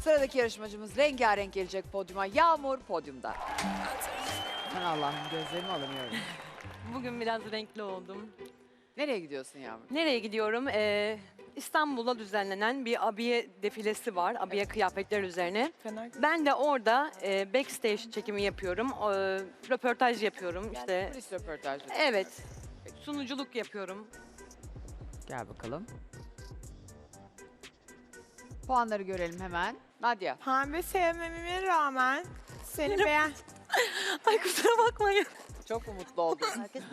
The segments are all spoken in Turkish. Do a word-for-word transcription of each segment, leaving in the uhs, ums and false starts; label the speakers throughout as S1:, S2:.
S1: Sıradaki yarışmacımız rengarenk gelecek podyuma. Yağmur podyumda. Aman Allah'ım gözlerimi alamıyorum.
S2: Bugün biraz renkli oldum.
S1: Nereye gidiyorsun Yağmur?
S2: Nereye gidiyorum? Ee, İstanbul'da düzenlenen bir abiye defilesi var. Abiye kıyafetler üzerine. Ben de orada e, backstage çekimi yapıyorum. E, röportaj yapıyorum. İşte
S1: Polis röportajı.
S2: evet. Sunuculuk yapıyorum.
S1: Gel bakalım. Puanları görelim hemen. Nadia.
S3: Pembe sevmememe rağmen seni beğen...
S2: Ay kusura bakmayın.
S1: Çok mu mutlu oldun?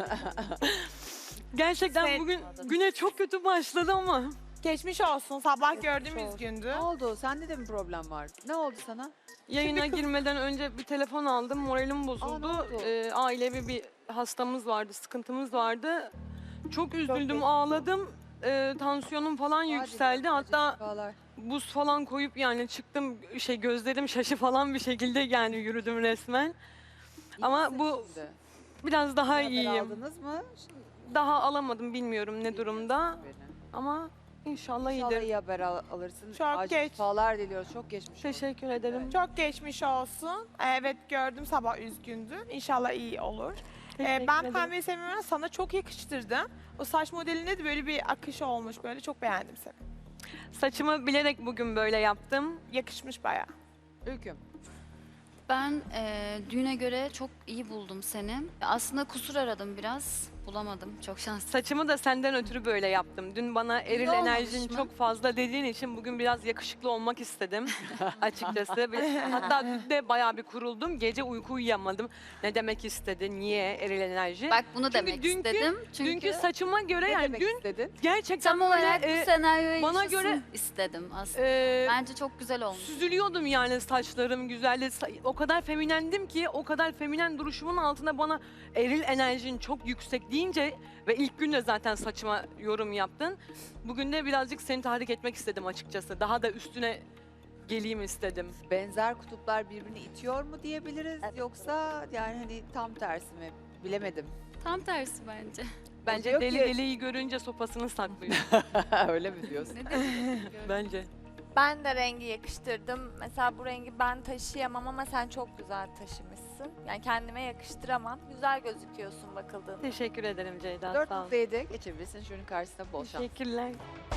S2: Gerçekten
S3: Sen-
S2: bugün güne çok kötü başladı ama.
S3: Geçmiş olsun. Sabah gördüğümüz gündü.
S1: Ne oldu? Sende de mi problem var? Ne oldu sana?
S2: Yayına girmeden önce bir telefon aldım. Moralim bozuldu.
S1: Aa, ne oldu?
S2: Ee, ailevi bir hastamız vardı, sıkıntımız vardı. Çok üzüldüm,
S3: geçmiş
S2: ağladım. Ee, tansiyonum falan yükseldi. Hatta
S1: Şifalar.
S2: buz falan koyup yani çıktım, şey gözlerim şaşı falan bir şekilde yani yürüdüm resmen.
S1: İyi
S2: Ama
S1: misin
S2: bu
S1: şimdi?
S2: biraz daha
S1: Haber
S2: iyiyim.
S1: aldınız mı?
S2: Daha alamadım, bilmiyorum ne durumda.
S1: Haberi.
S2: Ama inşallah
S1: İnşallah
S2: iyidir.
S1: iyi haber al- alırsın.
S3: Çok
S1: Acil
S3: geç.
S1: şifalar diliyoruz. Çok geçmiş olsun.
S2: Teşekkür ederim.
S3: Çok geçmiş olsun. Evet gördüm sabah üzgündün. İnşallah iyi olur. Ee,
S2: Teşekkür
S3: ben
S2: ederim.
S3: pembeyi sevmemem sana çok yakıştırdım. O saç modelinde de böyle bir akış olmuş. Böyle çok beğendim seni.
S2: Saçımı bilerek bugün böyle yaptım.
S3: Yakışmış bayağı.
S1: Ülküm.
S4: Ben eee, düğüne göre çok iyi buldum seni. Aslında kusur aradım biraz. Bulamadım. Çok şanslısın.
S2: Saçımı da senden ötürü böyle yaptım. Dün bana eril
S4: olmamış
S2: enerjin
S4: mı?
S2: çok fazla dediğin için bugün biraz yakışıklı olmak istedim açıkçası. Bir- Hatta dün de bayağı bir kuruldum. Gece uyku uyuyamadım. Ne demek istedi? Niye eril enerji?
S4: Bak bunu
S2: Çünkü
S4: demek
S2: dünkü-
S4: istedim. Çünkü
S2: Dünkü saçıma göre
S1: Ne
S2: yani
S1: demek
S2: dün
S1: istedin?
S2: gerçekten
S4: tam
S2: böyle
S4: olarak
S2: e,
S4: bu senaryoyu
S2: bana
S4: yaşasın
S2: göre-
S4: istedim aslında.
S2: e,
S4: Bence çok güzel olmuş.
S2: süzülüyordum yani, saçlarım güzeldi. Sa- O kadar feminendim ki o kadar feminen duruşumun altında bana eril enerjin çok yüksek deyince ve ilk gün de zaten saçıma yorum yaptın. Bugün de birazcık seni tahrik etmek istedim açıkçası. Daha da üstüne geleyim istedim.
S1: Benzer kutuplar birbirini itiyor mu diyebiliriz? Yoksa yani hani tam tersi mi? Bilemedim.
S4: Tam tersi bence.
S2: Bence
S1: diyor
S2: deli
S1: ki-
S2: deliyi görünce sopasını saklıyor.
S1: Öyle mi diyorsun?
S4: Ne demek?
S2: Bence.
S5: Ben de rengi yakıştırdım. Mesela bu rengi ben taşıyamam ama sen çok güzel taşımışsın. Yani kendime yakıştıramam. Güzel gözüküyorsun bakıldığında.
S2: Teşekkür ederim Ceyda.
S1: dört
S2: Sağ ol.
S1: nokta yedi geçebilirsin. Şunun karşısına bol şans.
S2: Teşekkürler.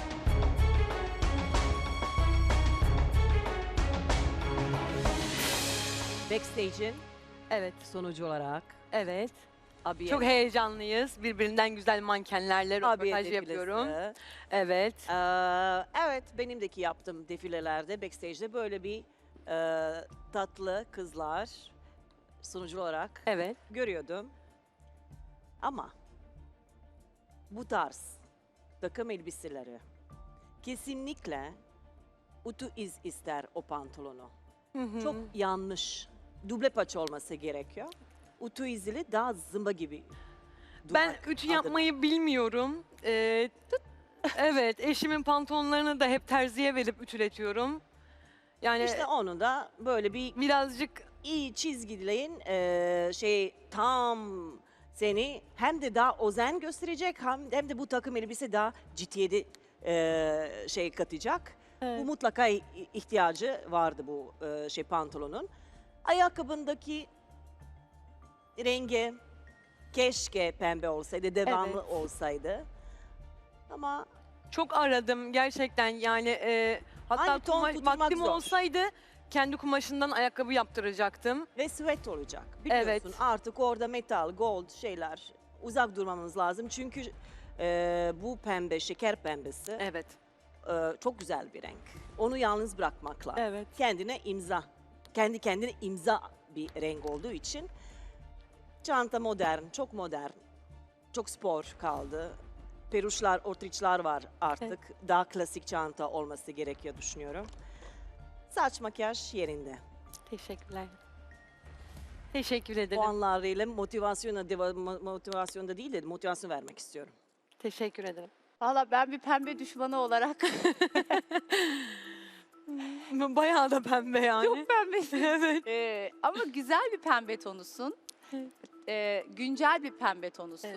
S6: Backstage'in
S2: Evet,
S6: sonucu olarak
S2: evet.
S6: abiye,
S2: Çok heyecanlıyız. Birbirinden güzel mankenlerle
S6: abiye
S2: röportaj
S6: defilesi.
S2: yapıyorum. Evet.
S6: Ee, evet, benimdeki yaptığım defilelerde, backstage'de böyle bir e, tatlı kızlar sunucu olarak
S2: Evet.
S6: görüyordum. Ama bu tarz takım elbiseleri kesinlikle utu iz ister o pantolonu.
S2: Hı hı.
S6: Çok yanlış. Duble paça olması gerekiyor. Utu izli daha zımba gibi.
S2: Ben
S6: durmak
S2: ütü
S6: adına.
S2: yapmayı bilmiyorum. Ee, evet, eşimin pantolonlarını da hep terziye verip ütületiyorum. Yani
S6: İşte onu da böyle bir
S2: birazcık
S6: iyi çizgilerin eee, şey tam seni hem de daha özen gösterecek hem, hem de bu takım elbise daha ciddiyeti eee, şey katacak.
S2: Evet.
S6: Bu mutlaka i- ihtiyacı vardı bu eee, şey pantolonun. Ayakkabındaki rengi keşke pembe olsaydı, devamlı
S2: Evet.
S6: olsaydı. Ama
S2: çok aradım gerçekten yani. E, hatta
S6: Aynı ton
S2: kuma-
S6: tutturmak
S2: vaktim
S6: zor.
S2: olsaydı kendi kumaşından ayakkabı yaptıracaktım.
S6: ve sweat olacak. Biliyorsun
S2: Evet.
S6: artık orada metal, gold şeyler uzak durmamız lazım. Çünkü e, bu pembe, şeker pembesi
S2: Evet,
S6: e, çok güzel bir renk. Onu yalnız bırakmak lazım.
S2: evet.
S6: Kendine imza, kendi kendine imza bir renk olduğu için. Çanta modern, çok modern, çok spor kaldı. Peruşlar, ortriçler var artık. Daha klasik çanta olması gerekiyor düşünüyorum. Saç makyaj yerinde.
S2: Teşekkürler. Teşekkür ederim.
S6: Puanlarıyla motivasyona, deva- mo- motivasyonda değil de motivasyon vermek istiyorum.
S2: Teşekkür ederim.
S7: Valla ben bir pembe düşmanı olarak
S2: Bayağı da pembe yani.
S7: çok pembesin.
S2: Evet.
S7: Ee, ama güzel bir pembe tonusun. Ee, güncel bir pembe tonusun.
S2: Evet.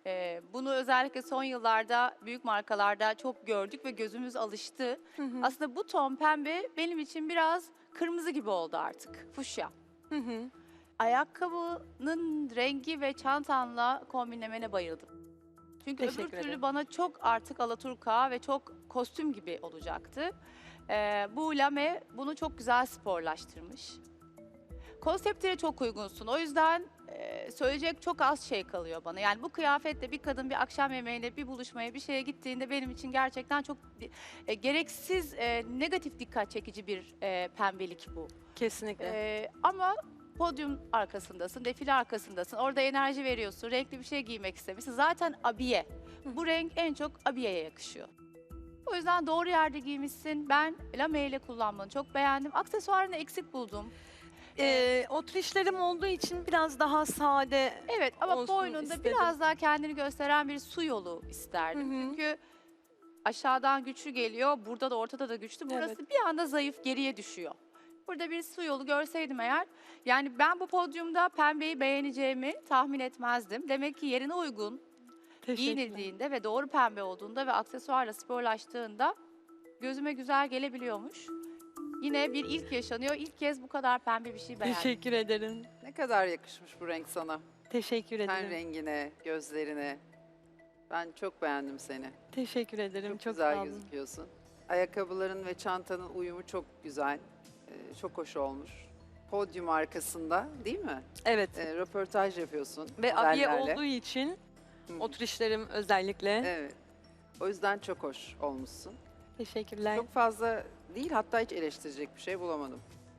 S7: Ee, bunu özellikle son yıllarda büyük markalarda çok gördük ve gözümüz alıştı.
S2: Hı hı.
S7: Aslında bu ton pembe benim için biraz kırmızı gibi oldu artık. Fuşya.
S2: Hı hı.
S7: Ayakkabının rengi ve çantanla kombinlemene bayıldım. Çünkü öbür
S2: Teşekkür
S7: türlü
S2: ederim.
S7: bana çok artık alaturka ve çok kostüm gibi olacaktı. Ee, bu lame bunu çok güzel sporlaştırmış. Konseptlere çok uygunsun. O yüzden e, söyleyecek çok az şey kalıyor bana. Yani bu kıyafetle bir kadın bir akşam yemeğine, bir buluşmaya, bir şeye gittiğinde benim için gerçekten çok e, gereksiz, e, negatif dikkat çekici bir e, pembelik bu.
S2: Kesinlikle.
S7: Ee, ama podyum arkasındasın, defile arkasındasın. Orada enerji veriyorsun, renkli bir şey giymek istemişsin. Zaten abiye. Bu renk en çok abiyeye yakışıyor. O yüzden doğru yerde giymişsin. Ben lame ile kullanmanı çok beğendim. Aksesuarını eksik buldum.
S2: Ee, oturişlerim olduğu için biraz daha sade.
S7: Evet ama
S2: olsun
S7: boynunda
S2: istedim.
S7: biraz daha kendini gösteren bir su yolu isterdim.
S2: Hı hı.
S7: Çünkü aşağıdan güçlü geliyor, burada da ortada da güçlü. Burası
S2: Evet.
S7: bir anda zayıf, geriye düşüyor. Burada bir su yolu görseydim eğer, yani ben bu podyumda pembeyi beğeneceğimi tahmin etmezdim. Demek ki yerine uygun,
S2: Teşekkürler.
S7: giyinildiğinde ve doğru pembe olduğunda ve aksesuarla sporlaştığında gözüme güzel gelebiliyormuş. Yine bir ilk yaşanıyor. İlk kez bu kadar pembe bir şey beğendim.
S2: Teşekkür ederim.
S1: Ne kadar yakışmış bu renk sana.
S2: Teşekkür
S1: Ten
S2: ederim.
S1: rengine, gözlerine. Ben çok beğendim seni.
S2: Teşekkür ederim.
S1: Çok,
S2: Çok,
S1: güzel
S2: sağ olun.
S1: gözüküyorsun. Ayakkabıların ve çantanın uyumu çok güzel. Ee, çok hoş olmuş. Podyum arkasında değil mi?
S2: Evet.
S1: Ee, röportaj yapıyorsun.
S2: Ve abiye
S1: modellerle.
S2: olduğu için
S1: Hı hı.
S2: oturişlerim özellikle.
S1: Evet. O yüzden çok hoş olmuşsun.
S2: Teşekkürler.
S1: Çok fazla değil, hatta hiç eleştirecek bir şey bulamadım.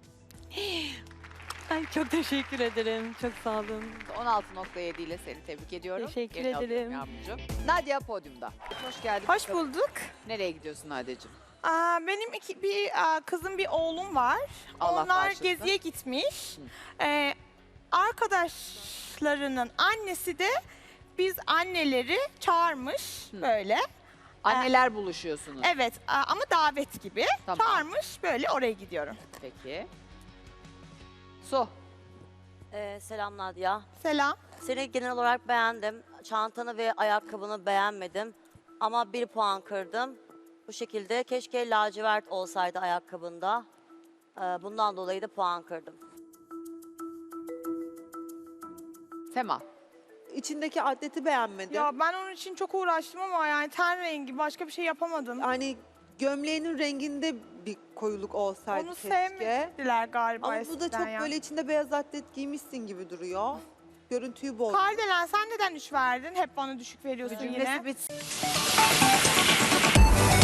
S2: Ay, çok teşekkür ederim. Çok sağ olun.
S1: on altı nokta yedi ile seni tebrik ediyorum.
S2: Teşekkür
S1: Yerine alıyorum
S2: ederim.
S1: Yağmurcuğum. Nadia podyumda. Hoş geldin.
S3: Hoş bulduk.
S1: Nereye gidiyorsun Nadia'cığım?
S3: Aa, benim iki, bir aa, kızım, bir oğlum var.
S1: Allah
S3: Onlar
S1: bağışlasın.
S3: geziye gitmiş. Ee, arkadaşlarının annesi de biz anneleri çağırmış böyle.
S1: Anneler buluşuyorsunuz.
S3: Evet aa, ama davet gibi.
S1: Tamam.
S3: Çağırmış, böyle oraya gidiyorum.
S1: Peki. Su.
S8: Ee, selam Nadia.
S3: Selam.
S8: Seni genel olarak beğendim. Çantanı ve ayakkabını beğenmedim. Ama bir puan kırdım. Bu şekilde keşke lacivert olsaydı ayakkabında. Ee, bundan dolayı da puan kırdım.
S1: Sema.
S9: İçindeki atleti beğenmedim.
S3: Ya ben onun için çok uğraştım ama yani ten rengi, başka bir şey yapamadım.
S9: Hani gömleğinin renginde bir koyuluk olsaydı
S3: Onu
S9: keşke.
S3: sevmediler galiba
S9: Ama bu da
S3: eskiden
S9: çok
S3: ya.
S9: böyle içinde beyaz atlet giymişsin gibi duruyor. Görüntüyü bozdu.
S3: Kardelen, sen neden üç verdin? Hep bana düşük veriyorsun yine.
S1: Cümlesi bitsin.